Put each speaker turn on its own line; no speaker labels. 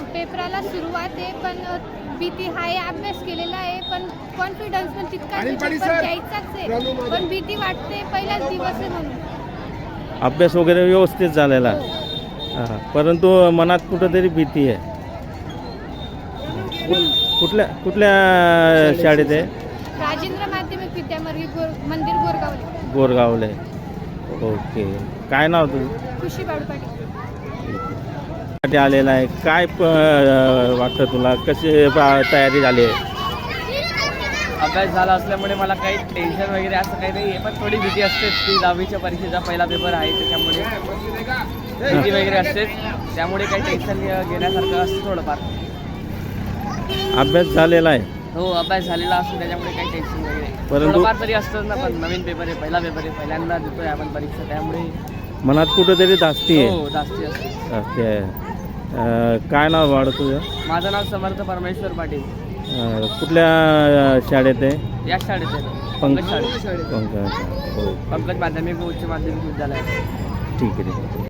पेपराला सुरुवात आहे, पण भीती आहे. अभ्यास केलेला आहे, पण कॉन्फिडन्स पण तितकाच आहे, पेपर द्यायचाच आहे, पण भीती वाटते. पहिलाच दिवस आहे म्हणून.
अभ्यास वगैरे व्यवस्थित झालेला हां, परंतु मनात कुठंतरी भीती आहे. कुठल्या शाळेत आहे?
राजेंद्र माध्यमिक विद्यामंदिर मंदिर गोरगावले.
गोरगावले. ओके. काय नाव तुझं?
खुशी बाडूपाटी.
आलेला आहे. काय वाटतं तुला? कशी तयारी झाली आहे?
अभ्यास झाला असल्यामुळे मला काही टेन्शन वगैरे असं काही नाही आहे, पण थोडी भीती असतेच की 10वीच्या परीक्षेचा पहिला पेपर आहे, त्याच्यामुळे भीती वगैरे असतेच. त्यामुळे काही टेन्शन घेण्यासारखं असतं थोडंफार.
अभ्यास झालेला आहे?
हो, अभ्यास झालेला असतो, त्याच्यामुळे काही टेन्शन वगैरे
परंतु
थोडंफार तरी असतंच ना. पण नवीन पेपर आहे, पहिला पेपर आहे, पहिल्यांदा देतोय आपण परीक्षा, त्यामुळे
मनात कुठंतरी धास्ती आहे.
हो जास्ती असते.
धास्ती आहे. काय नाव वाढ तुझं?
माझं नाव समर्थ परमेश्वर पाटील.
कुठल्या शाळेत आहे?
या शाळेत आहे,
पंकज
पंकज शाळेत,
पंकज. हो,
पंकज माध्यमिक व उच्च माध्यमिक विद्यालय.
ठीक आहे.